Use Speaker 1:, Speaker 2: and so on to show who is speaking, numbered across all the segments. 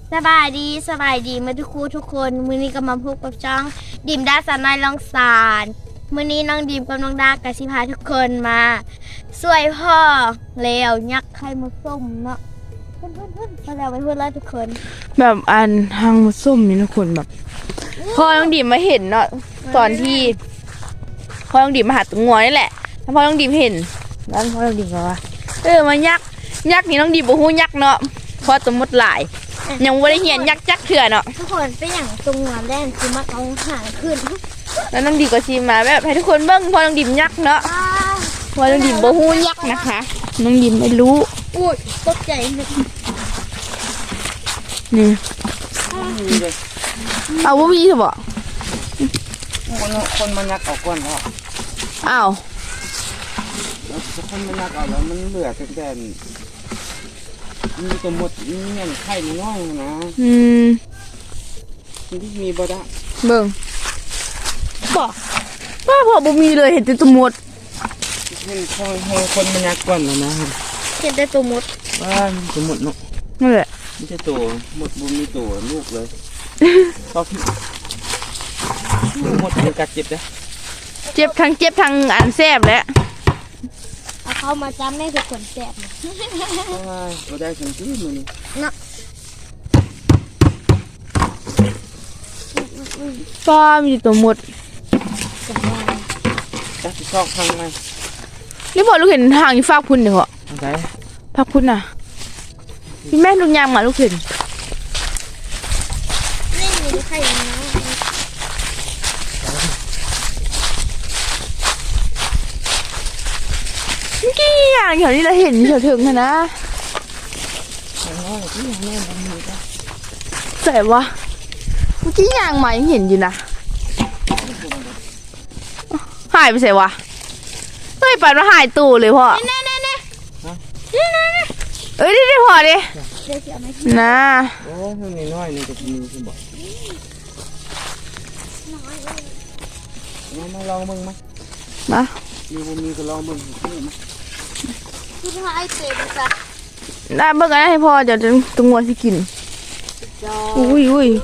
Speaker 1: สบายดีมาทุกคนมื้อนี้ก็มาพบกับจ้องดิมดาสานายลองสารมื้อนี้น้องดิมกับน้องดากะสิพาทุกคนมาสวยพ่อแล้วยักไข่มดส้มเนาะเพิ่นมาแล้วไปพูดแล้วทุกคน
Speaker 2: แบบอันทางส้มนี่ทุกคนแบบพ่อน้องดิมมาเห็นเนาะตอนที่พ่อน้องดิมมาหาตัวงัวนี่แหละแล้วพ่อน้องดิมเห็นแล้วพ่อน้องดิมก็ว่ามายักนี่น้องดิมบ่ฮู้ยักเนาะเพราะตัวมดหลายยังบ่ได้เห็นยักจักเถื่อเนาะ
Speaker 1: ทุกคนเป็นอย่างตรงงานแรกคือมาเอาหางขึ้น
Speaker 2: แล้วน้องดิมก็สิมาแบบให้ทุกคนเบิ่งพ่อน้องดิมยักเนาะพ่อน้องดิมบ่ฮู้ยักนะคะน้องดิมไม่รู้
Speaker 1: อุ้ยตกใจ
Speaker 2: นี่เอาบ่มีซะบ่
Speaker 3: คนมันยักเอาก้อนแล้ว
Speaker 2: อ้าว
Speaker 3: คนมันยักเอาแล้วมันเหลือแต่มีตัวหมดมีเงี้ยไข่น้อยนะมีบ่ได้
Speaker 2: เบิ่งบ่ว่าพอบ่มีเลยเห็นแต่ตัวหมด
Speaker 3: เห็นคนมันยักก้อนแล้วนะ
Speaker 1: เห็นแต่ตัวหมด
Speaker 3: ว่าตัวหมดเนาะ
Speaker 2: นั่นแหละ
Speaker 3: ไม่ใช่ตัวหมดบ่มีตัวลูกเลยชอบหมดเป็นกัดเจ็บนะ
Speaker 2: เจ็บทั้งอันแซ่บแล้ว
Speaker 1: เอาเข้ามาจำแม่ทุกคนแซ่บนะ
Speaker 3: ก็ได้สังที่มัน
Speaker 1: เนาะ
Speaker 2: ป้ามีตัวหมด
Speaker 3: จะชอบทางไหน
Speaker 2: นี่พอลูกเห็นทางที่ฟากพุ่นเดี๋ยวเหรอ
Speaker 3: ไหน
Speaker 2: ฟากพุ่นน่ะพี่แม่ลูกยางมาลูกเห็น
Speaker 1: นี่มีใครนะ
Speaker 2: กี่อย่างแถวนี้เราเห็นแถวถึงนะใส่วะเมื่อกี้ยางมายังเห็นอยู่นะหายไปใส่วะเฮ้ยปัดมาหายตู้เลยพ่อเอ้ยได้พอดินะ
Speaker 3: โอ้ยมันน้อยนี่จะมีคุณบอกมาลองมึงมั้ย
Speaker 2: มา
Speaker 3: มีก็ลองมึง
Speaker 1: คือพาไอเต็มจ้ะ
Speaker 2: ได้เบิ่งกันให้พ่อเดี๋ยวตัวงัวสิกินอุ้ย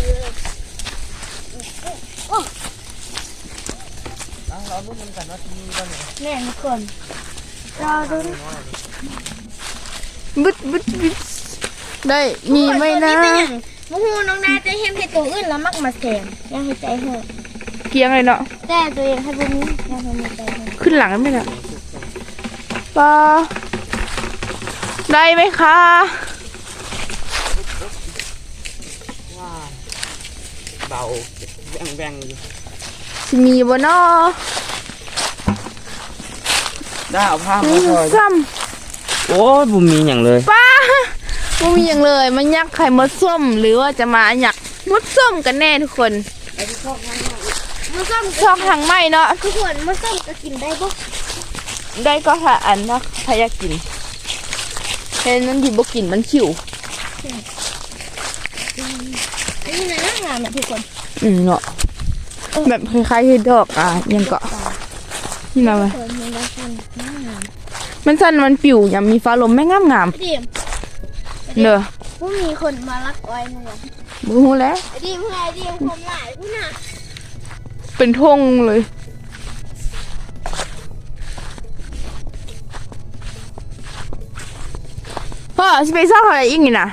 Speaker 3: เราดูมันกันว่าที่นี่บ้าง
Speaker 1: แม่ทุกคนรอดู
Speaker 2: บึดได้มีไหมนะ
Speaker 1: มูฮูน้องนาจะเห็นให้ตัวอื่นแล้วมักมาแซมยังให้ใจเหอะ
Speaker 2: เกียงเลยเนาะ
Speaker 1: แต่ตัวเองให้บุ้มยังให้มีใจ
Speaker 2: ขึ้นหลังไม่ได้ปลาได้ไหมคะ
Speaker 3: เบาแบง
Speaker 2: สิมีบ่เนาะ
Speaker 3: ได้เอาผ้ามาถอย
Speaker 2: ซ้
Speaker 3: ำโอ้ยบุมีอย่างเลย
Speaker 2: ป้าบุมีอย่างเลยมันยักไข่มดส้มหรือว่าจะมาหยักมดส้มกันแน่ทุกคน
Speaker 1: มดส้ม
Speaker 2: ชอบทางไหมเนาะ
Speaker 1: ทุกคนมดส้มก็กินได้ปะ
Speaker 2: ได้ก็ถ้าอันนะถ้าอยากกินเห็นมันที่บ่กินมันขิว
Speaker 1: อันนี้นะงามทุกคน
Speaker 2: เนาะแบบคล้ายๆที่ดอกยังเกาะนี่มาไหมมันสั้นมันปิวยังมีฟ้าลมไม่งามเนอะ
Speaker 1: ผู้มีคนมาลักอ้อยเนี่ย
Speaker 2: บูแล้ว
Speaker 1: ดิมความหลายผู้น่ะ
Speaker 2: เป็นทงเลยพ่อจะไปซ่อนอะไรอีกนี่นะ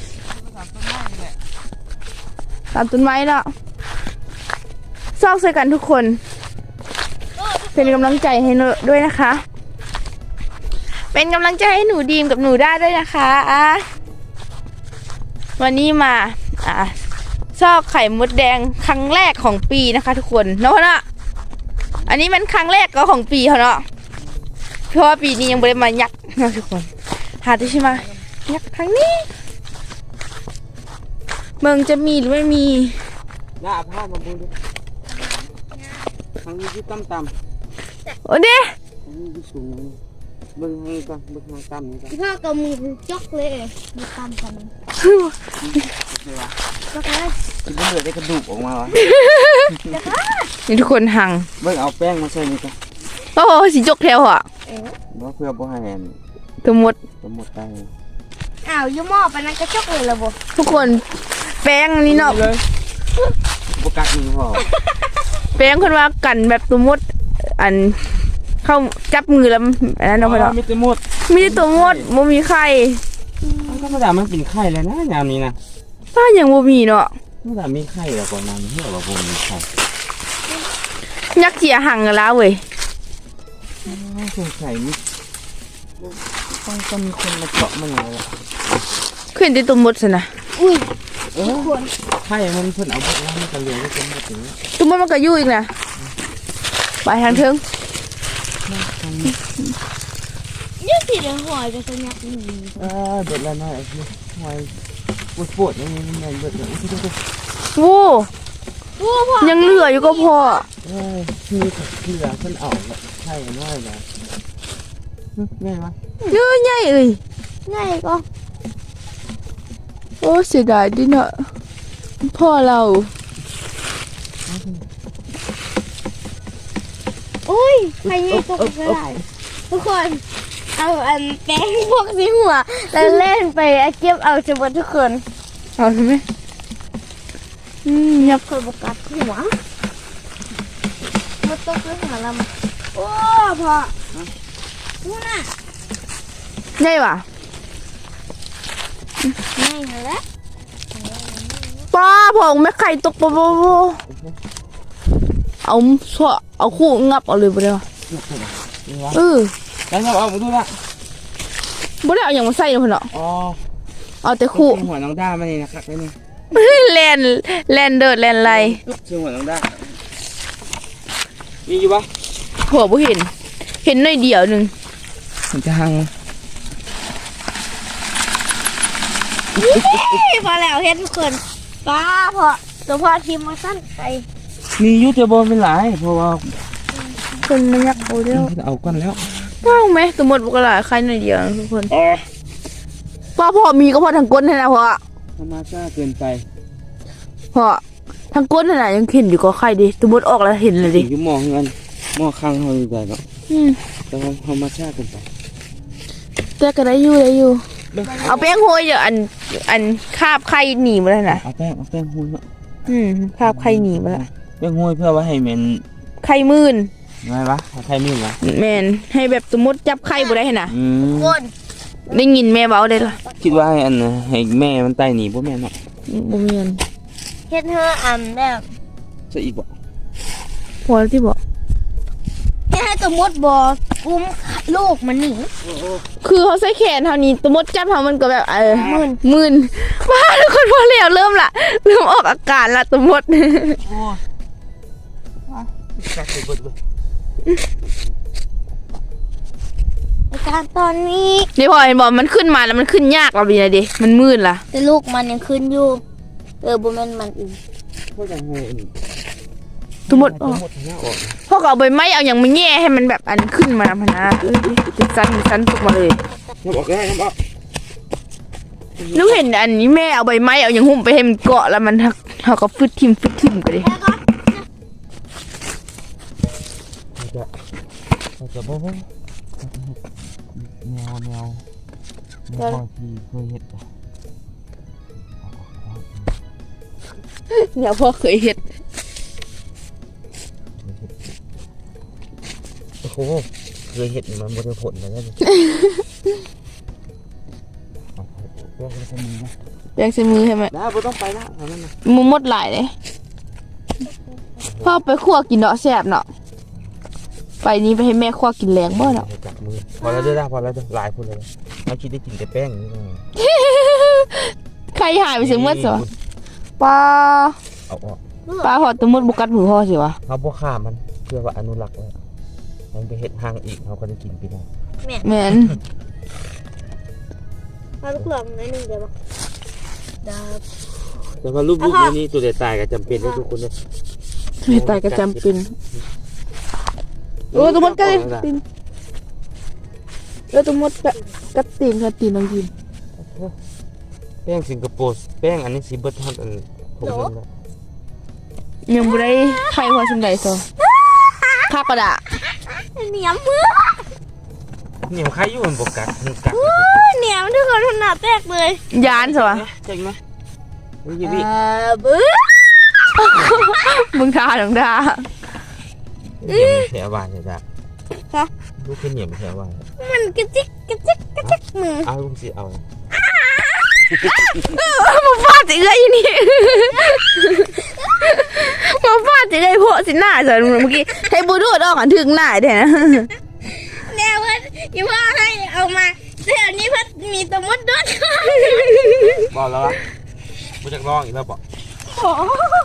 Speaker 2: ตามต้นไม้เนาะซอกใส่กันทุกคนเป็นกำลังใจให้หนูด้วยนะคะเป็นกำลังใจให้หนูดีมกับหนูได้ด้วยนะคะวันนี้มาซอกไข่มดแดงครั้งแรกของปีนะคะทุกคนเนาะอันนี้มันครั้งแรกก็ของปีเขาเนาะเพราะว่าปีนี้ยังไม่ได้มายักนะทุกคนหาที่ใช่ไหมยักครั้งนี้เมืองจะมีหรือไม่มี
Speaker 3: ได้เอาผ้ามาบูดูทางนี้ที่ต่ำ
Speaker 2: โอ้เด้
Speaker 3: ที่สูงเบิ้งให้ก่อนเบิ้งทางต่ำนี่ก่อน
Speaker 1: พ่อก็มือจกเลยมีต่ำกันจกเลย
Speaker 3: คิดว่าเหลือได้กระดูกออกมาวะ
Speaker 2: นี่ทุกคนหัง
Speaker 3: เบิ้งเอาแป้งมาใส่นี่ก่อน
Speaker 2: โอ้สีจกแถวอ่ะ
Speaker 3: เพื่อบ่ให้
Speaker 2: ตัวหมด
Speaker 3: ได้
Speaker 1: อ้าวยูหม้อปานนั้นกระจกเลยละบ่
Speaker 2: ทุกคนแป้งนี่เนาะ
Speaker 3: เลยบ่กัดมือพอ
Speaker 2: แป้งคนว่ากันแบบตัวมดอันเข้าจับมือแล้วอันนั้นเนาะพ่อเนาะ
Speaker 3: มีแต่หมด
Speaker 2: มีแต่ตัวมดบ่มีไข่
Speaker 3: มันก็ธรรมดามันเป็นไข่เลยนะยามนี้นะ
Speaker 2: ถ้ายังบ่มีเนาะ
Speaker 3: ธรรมดามีไข่แล้วก่อนนั้นเหี้ยว่าบ่มีไข่
Speaker 2: ยักษ์เจียหังกันแล้วเว้ย
Speaker 3: สงสัยนี่ต้องมีคนมาเจาะมันแล้ว
Speaker 2: ขึ้นที่ตัวมดซะนะ
Speaker 1: อุ้ย
Speaker 3: ไข่มันเพิ่นเอาไปแล้วมันก็เหลือไว้จนหมดอย่างนี้
Speaker 2: ตัวมดมันก็อยู่อีกนะไปทางเทิง
Speaker 1: ยังสิได้หอยไปซะเนี่ย
Speaker 3: เบิดแล้วนะไอ้ที่หอยปวดอย่างนี้มันเบิดแล้ว
Speaker 2: โว้
Speaker 1: โอ้พ่อ
Speaker 2: ยังเหลืออยู่ก็พอ
Speaker 3: คือเหลือเพิ่นเอาไข่น้อยแล้วง่ายวะ
Speaker 2: เยอะใหญ่เอ้ย
Speaker 1: ง่ายก็
Speaker 2: โอ้เสียดายดิเนาะพ่อเรา
Speaker 1: อุ้ยใครนี่ตกก็ได้ทุกคนเอาอันแป้งพวกสีหัวแล้วเล่นไปเก็บเอาจะหมดทุกคน
Speaker 2: เอาใช่ไหมยับ
Speaker 1: คนบกัดหัวมาตกเลยหัวเราโอ้พ่อนู่นน่ะ
Speaker 2: ใหญ่ว่ะ
Speaker 1: ง่ายเลยละ
Speaker 2: ป้าผงแม่ไข่ตกปะเอาสวเอาคู่งับเอาเลยบ่ได้วะเออ
Speaker 3: แล้วเราเอามาดูละ
Speaker 2: บ่ได้เอาอย่างมาใส่เนาะพ่อเนาะ
Speaker 3: อ๋อ
Speaker 2: เอาแต่คู่
Speaker 3: หัวน้องด้ามานี่นะครับนี่
Speaker 2: แลนเดิดแลนไร
Speaker 3: ชื่อหัวน้องด้ามีอยู่ปะ
Speaker 2: หัวบ่เห็น เห็นหน่อยเดียวหนึง
Speaker 3: ผมจะหัง
Speaker 1: พอแล้วเห็นทุกคนป้าพอตัวพ่อทีมมาสั้นไป
Speaker 3: มียูทูบเบอร์เป็นหลายเพราะว่า
Speaker 2: คนมันยักเอาเดียว
Speaker 3: เอากันแล้ว
Speaker 2: ว้าวไหมสมมติบุกหลายใครหน่อยเดียวนะทุกคนป้าพ่อมีก็พอทางก้นนะพ่อ
Speaker 3: ธรรมชาติเกินไป
Speaker 2: พ่อทางก้นน่ะยังเห็นอยู่ก็ใครดิสมมติออกแล้วเห็นเลยดิ
Speaker 3: อยู่มองเงินมองข้างเขาอยู่ได้เนาะ
Speaker 2: อืม
Speaker 3: แต่ว่าธรรมชาติเกินไป
Speaker 2: แต่ก็ได้อยู่ เอาแป้งโรยเดี๋ยวอันคาบไข่หนีมาแล้วนะ
Speaker 3: เอาแป้งหุ้ยเนาะ
Speaker 2: คาบไข่หนีมาแล้ว
Speaker 3: แป้งหุ้ยเพื่อว่าให้มัน
Speaker 2: ไข่มื่น
Speaker 3: ไงวะใครมีวะ
Speaker 2: แมนให้แบบสมมติจับไข่บ่ได้เห็นนะ
Speaker 1: คน
Speaker 2: ได้ยินแม่เบาได้ละ
Speaker 3: คิดว่าให้อันน่ะให้แม่มันไต่หนีพวกแม่เนาะ
Speaker 2: บ่มีอัน
Speaker 1: เฮ็ดเธอแบบ
Speaker 3: จะอีกบ่
Speaker 2: พอแล้วที่บอก
Speaker 1: ให้ตัวมดบออุ้มลูกมันหนี
Speaker 2: คือเขาใส่แขนเท่านี้สมมติจับเขามันก็แบบมื่นบ้าทุกคนพอแล้วเริ่มออกอาการละสมมติ
Speaker 3: โอ้กัดไปเบิดเลย
Speaker 1: อาการตอนนี้
Speaker 2: นี่พอเห็นบอกมันขึ้นมาแล้วมันขึ้นยากเราดีนะดิมันมืดล่ะ
Speaker 1: แต่ลูกมันยังขึ้นอยู่บ่แม่นมันอีก
Speaker 3: พวกยังไง
Speaker 2: สมมติ
Speaker 3: ทั้งหมดทั้งนั้นออก
Speaker 2: พอเอาใบไม้เอาอย่างมาแง่ให้มันแบบอันขึ้นมาพนะเป็นสั้นตกมาเลย
Speaker 3: น้ำออกได้น้ำออก
Speaker 2: นึกเห็นอันนี้แม่เอาใบไม้เอาอย่างหุ้มไปให้มันเกาะแล้วมันเขาก็ฟึดทิ่มกันดิ
Speaker 1: แล้วก็
Speaker 3: เราจะบอกว่าแมวที่เคยเห็น
Speaker 2: เนี่ยพ่อเคยเห็น
Speaker 3: โอ้โหเคยเห็นมันบริผลมาแล้วเรื่องจะมีนะ
Speaker 2: แบงใส่มือให้มัน
Speaker 3: ได้ไม่ต้องไปละทำนั่นนะ
Speaker 2: มือมดหลายเลยพ่อไปคั่วกินเนาะแซ่บเนาะไปนี้ไปให้แม่คั่วกินแรงบ่เนาะ
Speaker 3: จับมือพอแล้วได้พอแล้วหลายคนเลยไม่คิดได้กินแต่แป้งนี่
Speaker 2: ใครหายไปเสียเมื่อสิวะปลา
Speaker 3: เอาออก
Speaker 2: ปลาหอดตะมุดบุกัดมือพ่อสิวะ
Speaker 3: เขาพวกข้ามันเพื่อว่าอนุรักษ์ไว้มันไปเห็ดห้างอีกเขาก็ได้กินไปได้
Speaker 2: แม่น
Speaker 1: เอาลูกหลงนิดนึงเดี๋ยวดาบ
Speaker 3: แต่ว่ารูปนี้ตัวเด็ดตายก็จำเป็นให้ทุกคนเลย
Speaker 2: ไม่ตายก็จำเป็นโอ้ตะมุดกัดตีนตะมุดกัดตีนน้องยิน
Speaker 3: แป้งสิงคโปร์แป้งอันนี้สีเบิร์ทันอันผมเห็นแล้ว
Speaker 2: ยังบ่ได้ไข่หัวสมใดซอข้ากระดา
Speaker 1: เหนียวมือ
Speaker 3: เหนียวใครอยู่บนบกกัดมันกัด
Speaker 1: เหนียวทุกคนขนาดแตกเลย
Speaker 2: ยานสิวะ
Speaker 3: เจ๋งไหมวิจิวิ
Speaker 1: บื้อ
Speaker 2: มึงทาน้องดา
Speaker 3: เหนียวแถวบ้านเลยจ้ะลูกขึ้นเหนียวแถวบ้าน
Speaker 1: มันกระจิกกระจิกกระจิกมือ
Speaker 3: เอาลูกสิเอา
Speaker 2: มาฟาดสิเลยนี่มาฟาดสิเลยพวกสิหน้าสิเมื่อกี้ให้บูดูดออกถึงหน้าเด้นะ
Speaker 1: แนวเพื่อนอีพ่อให้เอามาเดี๋ยวนี้เพื่อนมีตะมุดด้วย
Speaker 3: บอกแล้ววะกูจะลองอีกแล้วบอก
Speaker 1: โอ้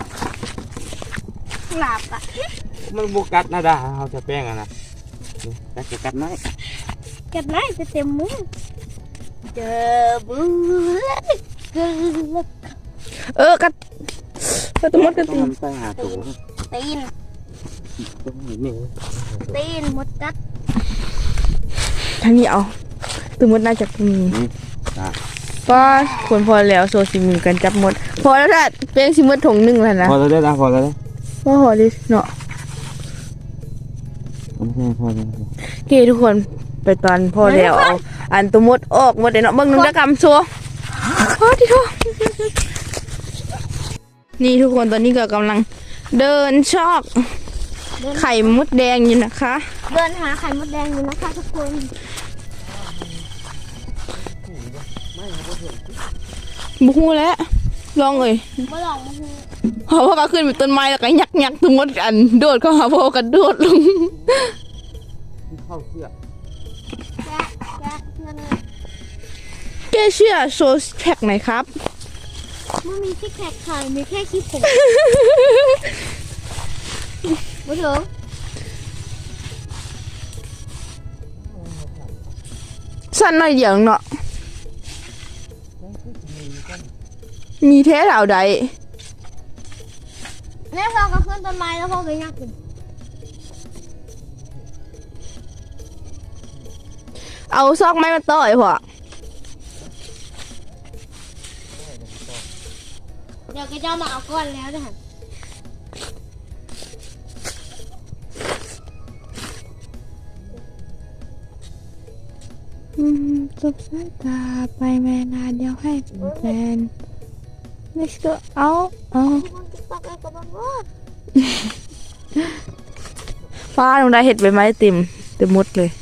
Speaker 1: หลับอ่ะ
Speaker 3: มันบกกัดนะด่าเขาจะแป้งอะนะแต่จะกัดไหม
Speaker 1: กัดไหนจะเต็มมือเจอบื้อเกิน
Speaker 2: กัดตัวมดกัน
Speaker 3: ต้อ
Speaker 2: ตี
Speaker 3: งทำไปหาตัว
Speaker 1: ตีน
Speaker 3: ต้องเห็นหนึ่ง
Speaker 1: ตีนมดกัด
Speaker 2: ทางนี้เอาตัวมดน่าจะมี
Speaker 3: จ้า
Speaker 2: ก็ควรพอแล้วโซซิมือกันจับมดพอแล้วถ้าเป็นซิมดถุงหนึ่งแล้วนะ
Speaker 3: พอแล้วได้ละพอแล้วได้
Speaker 2: ว่าพอดิเนาะ
Speaker 3: พอแล้ว
Speaker 2: โอเคทุกคนไปตอนพอแล้วเอาอันตัวมดออกหมดเลยเนาะเบิ่งนึงตะกำซัวโอ้ที่ทั่วนี่ทุกคนตอนนี้ก็กำลังเดินชอกไข่มดแดงอยู่นะคะ
Speaker 1: เดินหาไข่มดแดงอยู่นะคะทุกคน
Speaker 2: บุคูแล้วลองเลย
Speaker 1: มาลองมาดู
Speaker 2: เพราะว่าก็ขึ้นไปต้นไม้แล้วก็ยักตัวมดกันโดดเข้าหาพ่อกันโดดลง
Speaker 3: เข้าเสื้อ
Speaker 1: แกะแกะเงินเลย
Speaker 2: แกเชื่อโซสแพ็กไหนครับ
Speaker 1: มันมีที่แขกไข่มีแค่ขี้ผมมาถึง
Speaker 2: สั้นหน่อยเดียวเนาะมีแท้เหล่าใด
Speaker 1: แม่พ่อก็ขึ้นต้นไม้แล้วพ่อก็ยักกิน
Speaker 2: เอาซอกไม้มาต่อยพ่อ
Speaker 1: เดี๋ยวก็จะมาเอาก้อนแล้วนะฮะ
Speaker 2: จบสายตาไปแม่นานเดียวให้เป็นแฟน let's go เอา
Speaker 1: มันจะตักอะไรกับมันวะ
Speaker 2: ฟ้าลงได้เห็ดใบไม้เต็มหมดเลย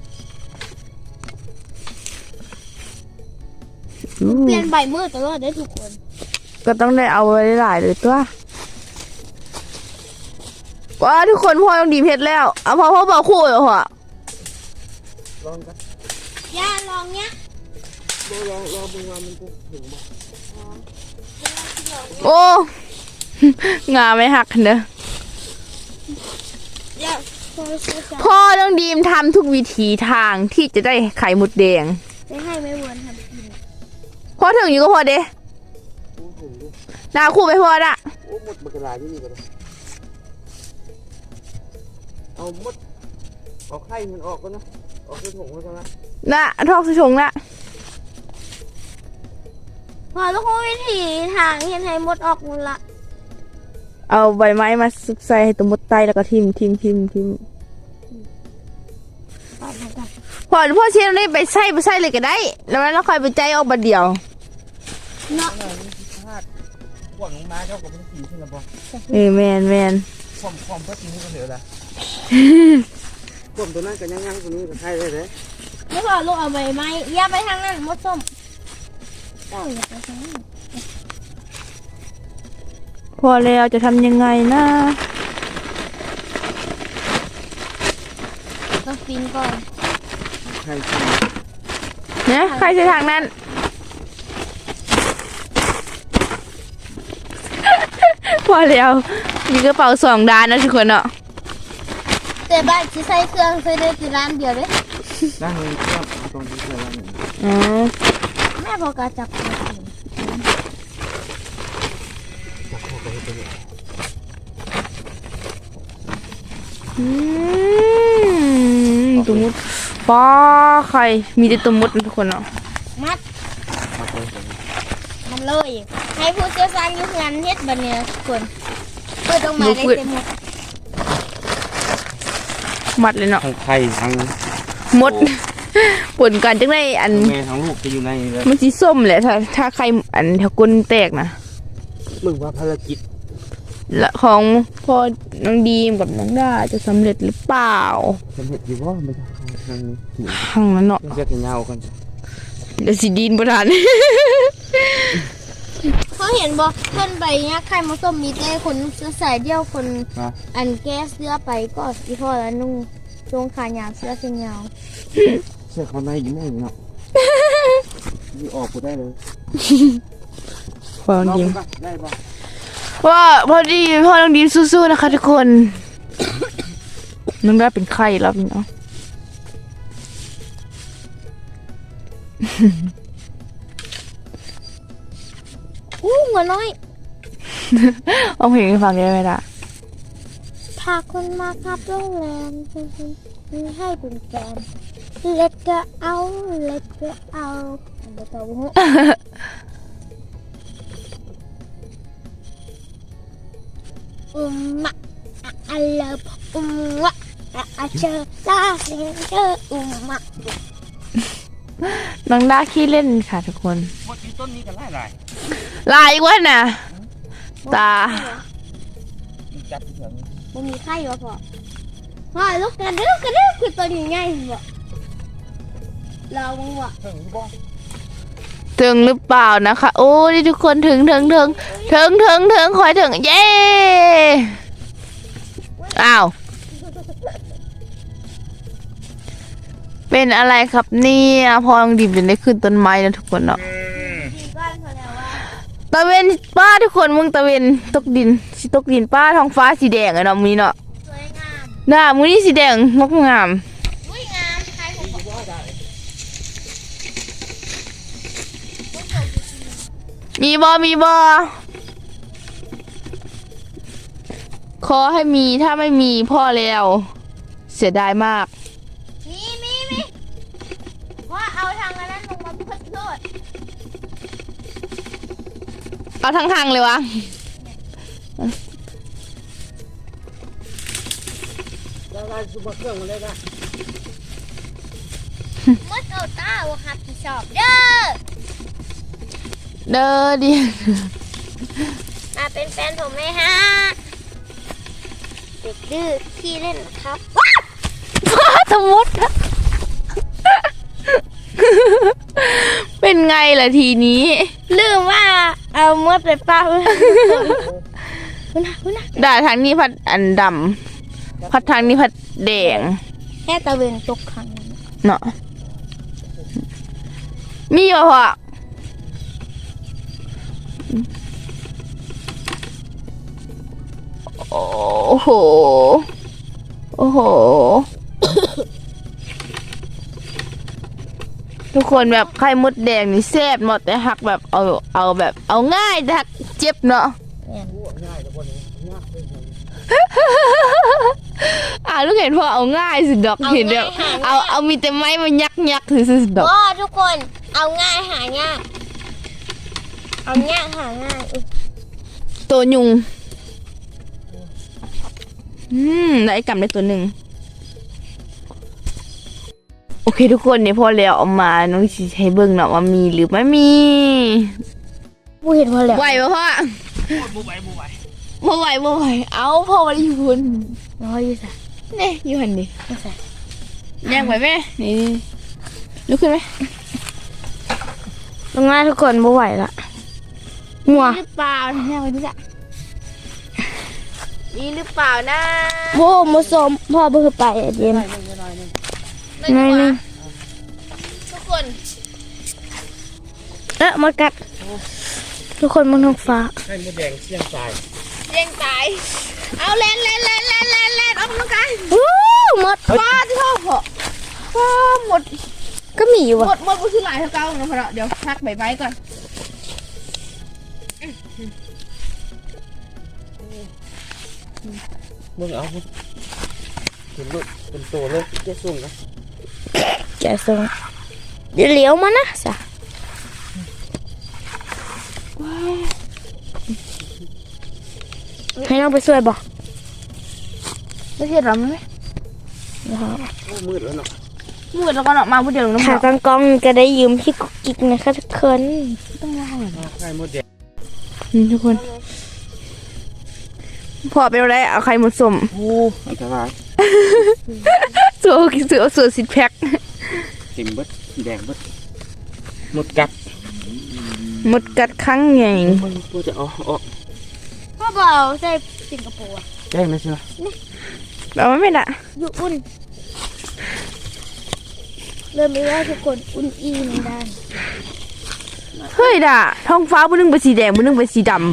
Speaker 1: เปลี่ยนใบมือตลอดได้ทุกคน
Speaker 2: ก็ต้องได้เอาไว้หลายเลยตัวว้าทุกคนพ่อต้องดีเพชรแล้วเอาพ่อบอกคู่เหรอพ่อ
Speaker 3: ลองกัน
Speaker 1: ย่าลองเนี้ย
Speaker 3: ลองดูว่ามันจะถึงไหม
Speaker 2: โอ้ งาไม่หักเนอะ
Speaker 1: ย่าพอซื้อ
Speaker 2: พ่อต้องดีมทำทุกวิธีทางที่จะได้ไข่มดแดง
Speaker 1: จะให้ไม่วนทำกิน
Speaker 2: พ่อถึงอยู่ก็พอเด้
Speaker 3: โอ้โห
Speaker 2: หน้าคู่ไปพ่อละ
Speaker 3: โอ้หมดบักกะลาที่นี่กันเอาหมดเอาไข่มันออกกันนะออกไปถุงมันกันนะ
Speaker 2: น่ะทอกสชงละ
Speaker 1: พอทุกคนวิธีทางเห็นให้มดออกหมดละ
Speaker 2: เอาใบไม้มาซุกใส่ให้ตัวมดไตแล้วก็ทิมพ่อเชียร์นี่ไปใส่เลยก็ได้ แล้วเราค่อยไปใจออกบัดเดียว
Speaker 1: เนาะ
Speaker 3: พลาดขวดลงมาเจ้ากับมันกินขึ้นแล้วบ่
Speaker 2: แมน
Speaker 3: ความเพิ่มนี้ก็เหลือละขวดตัวนั้นกับย่างตัวนี้กับไข่ได้เลย
Speaker 1: ไม่พอลูกเอาใบไม้ย่าไปทางนั้นมดส้มเจ้าอย่าไปทางนั้น
Speaker 2: พอแล้วจะทำยังไงนะ
Speaker 1: ต้องปีนก่อน
Speaker 3: ไข่
Speaker 2: เนี่ยใครใช้ทางนั้น พอแล้วมีกระเป๋า2 ด้านนะทุกคนเนาะ
Speaker 1: แต่บ้านที่ใส่เครื่องใส่ได้ที่ร้านเดียวเลย
Speaker 3: ด้านนี้ก็ตรงนี้เลยละหนึ่ง
Speaker 2: อ๋อ
Speaker 1: แม่พอกาจับตัวเอง
Speaker 3: จับเข้าไปให้เป็น
Speaker 2: ตัวมดป้าใครมีแต่ตัวมดนะทุกคนเนาะ
Speaker 1: มัด
Speaker 3: มาไปกัน
Speaker 1: มันเลย ให้ผู้เชี่ยวชาญอยู่งานเฮ็ดบันเนี่ยทุกคนเปิดออกมาได้เต็มหมด
Speaker 2: มัดเลยเนาะ
Speaker 3: ทั้งไข่ทั้ง
Speaker 2: มดปนกันจังได้อัน
Speaker 3: แม่ทั้งลูกจะอยู่ในเลย
Speaker 2: มันสีส้มแหละถ้าใครอันแถวก้นแตกนะ
Speaker 3: มึงว่าภารกิจ
Speaker 2: และของพ่อน้องดีมกับน้องดาจะสำเร็จหรือเปล่า
Speaker 3: สำเร็จอยู่ว่าไม่ทางทางนี้
Speaker 2: ข้างนั้นเนาะ
Speaker 3: เสื้อกันยาวกัน
Speaker 2: เดี๋ยวสิดินประทาน
Speaker 1: เขาเห็นบ่เพิ่นไปเนี่ยใครมาส้มมีแต่คนเสื้อสายเดียวคน
Speaker 3: นะ
Speaker 1: อันแก้เสื้อไปก็อีพ่อแล้วนุ่งช่วงขายาวเสื้อเส้นยาว
Speaker 3: เสื้อเขาในอยู่ไหนเนาะนี่ออกกูได้เลย
Speaker 2: พ่อน้องดีม
Speaker 3: ได้ปะ
Speaker 2: ว่าพอดีพ่อน้องดีมสู้ๆนะคะทุกคน น้องดาเป็นไข้แล้วพี่น้อง
Speaker 1: หัวน้อย
Speaker 2: เอาเพลงให้ฟังได้ไหมล่ะ
Speaker 1: พาคนมาครับโรงแรมมีให้เป็นแฟนเล็ดก็เอาเล็ดก็เอาอันเดียวตัวหูมะอะเลิฟวะอะเชอลาเซนเชอมะ
Speaker 2: น้องดาขี้เล่นค่ะทุกคน
Speaker 3: หมดที่ต้นนี้กันหลาย
Speaker 2: ลายอีกว่าน่ะ ตา
Speaker 3: จับเถอะ
Speaker 1: มันมีไข่วะพ่อพ่อลูกกระดึ๊บคือตัวนี้ง่ายบ่เรามึงวะ
Speaker 3: ถึงบ้อง
Speaker 2: ถึงหรือเปล่านะคะ โอ้นี่ทุกคนถึงคอยถึงเย้อ้าวเป็นอะไรครับเนี่ยพอลองดิบจะได้ขึ้นต้นไม้นะทุกคนเนาะ
Speaker 1: ดีก้อนเขาแล้วว่า
Speaker 2: ตะเวนป้าทุกคนมึงตะเวนตกดินสิตกดินป้าท้องฟ้าสีแดงไอ้เนาะมีเนาะ
Speaker 1: สวยงาม
Speaker 2: หน้ามือนี่สีแดงงดงาม
Speaker 1: อุ้ยงามใครผมบอก
Speaker 2: มีบอขอให้มีถ้าไม่มีพ่อแล้วเสียดายมาก
Speaker 1: มีว่าเอาทางนั้นลงมาพุดโทษ
Speaker 2: เอาทั้งทางเลยวะ
Speaker 3: ได้ซุปเปอร์เครื่องมาเลยนะ
Speaker 1: มดเอาตาวครับที่ชอบเด้อ
Speaker 2: เด้อดิ
Speaker 1: มาเป็นแฟนผมไหมฮะเด็กดื้อขี้เล่นครับ
Speaker 2: ฟ้าสมุดเป็นไงล่ะทีนี้
Speaker 1: ลืมว่าเอามดไปป้าคุณนะ
Speaker 2: ด่าทางนี้พัดอันดำพัดทางนี้พัดแดง
Speaker 1: แค่ตะเวนตกครั้งนั้น
Speaker 2: เนาะมีอยู่พอโอ้โห ทุกคนแบบไข่มดแดงนี่แซ่บหมดแต่หักแบบเอาแบบเอาง่ายแต่หักเจ็บเนาะ
Speaker 3: ง่ายแต่คนนี้ง่ายเลย
Speaker 2: ลูกเห็นพอเอาง่ายสุดดอกเห็นแบบเอามีแต่ไม้มายักถือสุดดอก
Speaker 1: ว้าทุกคนเอาง่ายหายากเอาง่ายหาง่าย
Speaker 2: ตัวยุงได้กำได้ตัวหนึ่งโอเคทุกคนเนี่ยพอแล้วเอามาน้องสิให้เบิ่งเนาะว่ามีหรือไม่มี
Speaker 1: ผู้เห็นพอแล้ว
Speaker 2: ไหวปะพ่อ
Speaker 3: บูไหว
Speaker 2: บ่ไหวเอาพ่อมาอยู่พุ่น
Speaker 1: น้อยอยู่สั
Speaker 2: นี่อยู่หันดิ
Speaker 1: ไม่ใส่
Speaker 2: ย่างไหวไหมนี่ลุกขึ้นไหม
Speaker 1: ลงง่ายทุกคนบ่ไหวละมัว
Speaker 2: หรือเปล่าย่างไหวดิจ้ะมีหรือเปล่านะ
Speaker 1: โบมาสมพ่อบ่คือไปอะเย็น
Speaker 2: ได้ดีกว่า
Speaker 1: หน่อยหนึ่ง
Speaker 2: ทุกคน
Speaker 1: มากัดทุกคนบนท้องฟ้า
Speaker 3: ให้มดแดงเสี่ยงตาย
Speaker 2: เลี้ยงตายเอาเล่นออกกำลังกาย
Speaker 1: วู้หมด
Speaker 2: ป้าที่ชอบเหรอป้าหมด
Speaker 1: ก็มีอยู่
Speaker 2: หม
Speaker 1: อ่ะ
Speaker 2: ดก็คือหลายเท่าเก่านะพ่อเดี๋ยวพักใบไม้ก่อน
Speaker 3: มึงเอาถึงลุดเป็นตัวเลยเจ๊ส่งนะ
Speaker 1: แกส่งเดี๋ยวเลี้ยวมานะสะให้น้องไปช่วยบ่
Speaker 2: ไม่ใช่หรอไหม
Speaker 3: โอ้มืดแล้วเนาะ
Speaker 2: มืดแล้วก็เนาะมาผู้เดียวน้ำ
Speaker 1: ขา
Speaker 2: เนาะ
Speaker 1: ตั้งกล้องก็ได้ยืมพี่กุ๊กกิ๊กนะคะทุกคน
Speaker 3: ไข่มดแดง
Speaker 2: ทุกคนพอเป็นอะไรเอาไข่หมดสม
Speaker 3: โอ้อันตราย
Speaker 2: สูตรสิแพ็ค
Speaker 3: เต็มเบิดแดงเบิดหมดกัด
Speaker 2: หมดกัดครั้งใหญ่
Speaker 3: มันตัวจะเอาออก
Speaker 1: พ่อเบาใส่สิงคโปร์
Speaker 3: แจ้งนะใช่ไหม
Speaker 2: เอาไม่ได้
Speaker 1: อยู่อุ่นเริ่มไม่ได้ทุกคนอุ่นอีในด้าน
Speaker 2: เฮ้ยด่าท้องฟ้าบุนึงเป็นสีแดงบุนึงเป็นสีดำ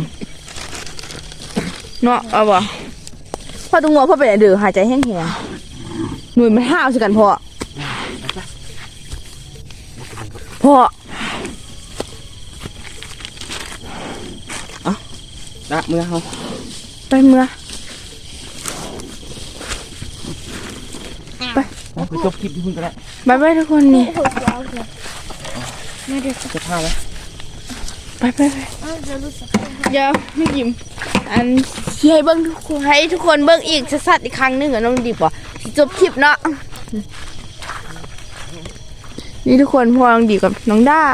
Speaker 2: เนาะเอาบ่พอตรงงัวพอไปไหนเดือหายใจแห้งๆหน่วยมันห้าวสิกันพอ
Speaker 3: ละเมื่อเขา
Speaker 2: ไปเมื่อ
Speaker 3: ไปจบคลิปที่คุณก็ได้
Speaker 2: บายบายทุกคนนี่
Speaker 1: โอ้โหยาวเลยไม่ได้สัก
Speaker 3: จะพาแล้ว
Speaker 2: ไป
Speaker 1: จะรู้สึก
Speaker 2: เดี๋ยวไม่ยิ้มอันที่ให้เบิ้งทุกคนให้ทุกคนเบิ้งอีกสัดๆอีกครั้งหนึงอะน้องดิบอ่ะสิจบคลิปเนาะนี่ทุกคนพอน้องดิบกับน้องด้า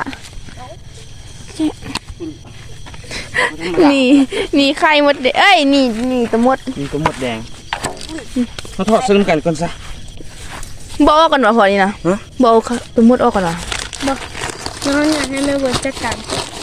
Speaker 2: นี่ไข่มดแดงเอ้ยนี่ตะมด
Speaker 3: มีตัวหมดแดงเขาทอดซึ่งกันก่อนซะ
Speaker 2: บอกออกก่อนวะพอนี่นะ
Speaker 3: ฮะ
Speaker 2: บอกเอาตะมดออกก่อนวะ
Speaker 1: น้องอยากให้แม่เวิร์ดจัดการ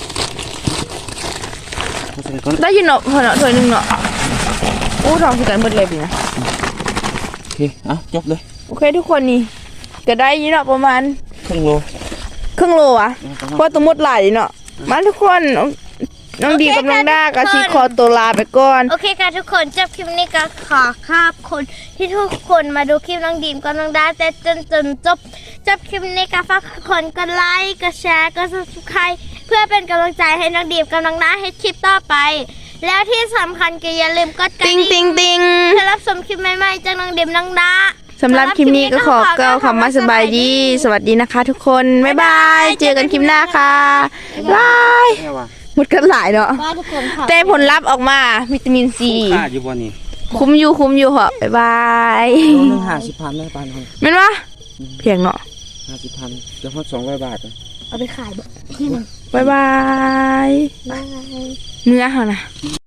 Speaker 3: เขาใส่ก่อน
Speaker 2: ได้ยินเนาะพอเนาะถ้วยหนึงเนาะอู้ทองสิกันเบิดเลยปีนะ
Speaker 3: โอเคเอาจบเลย
Speaker 2: โอเคทุกคนนี่ก็ได้ยินเนาะประมาณ
Speaker 3: ครึ่งโล
Speaker 2: ครึ่งโลอะเพราะตะมดหลายเนาะมาทุกคนน้องดีกับน้องด้ากับสีคอตัวลาไปก่อน
Speaker 1: โอเคค่ะทุกคนจบคลิปนี้ก็ขอขอบคุณที่ทุกคนมาดูคลิปน้องดีมกับน้องดาแต่จนจบคลิปนี้ก็ฝากทุกคนกดไลค์กดแชร์กด subscribe เพื่อเป็นกำลังใจให้น้องดีมกับน้องดาให้คลิปต่อไป แล้วที่สำคัญก็อย่าลืมกดกระ
Speaker 2: ติง
Speaker 1: ดิ่ง
Speaker 2: ติง
Speaker 1: เพื่อรับชมคลิปใหม่ๆจากน้องดีมน้องดา
Speaker 2: สำหรับคลิปนี้ก็ขอกล่าวคำว่าสบายดี สวัสดีนะคะทุกคนบ๊ายบายเจอกันคลิปหน้าค่ะบาย
Speaker 3: แม่ว่า
Speaker 2: หมดกันหลายเนาะ
Speaker 1: ว่าทุกคนค่ะ
Speaker 2: แต่ผลลัพธ์ออกมาวิตามินซี
Speaker 3: ค่าอยู่บ่นี่
Speaker 2: คุ้มอยู่เหรอบ๊ายบาย
Speaker 3: โลนึง50,000ได้ปานคน
Speaker 2: แม่นวะเพียงเนาะ
Speaker 3: 50,000จะฮอด200 บาท
Speaker 1: เอาไปขายบ่
Speaker 2: บ๊ายบาย
Speaker 1: บาย
Speaker 2: เนื้อเหรอนะ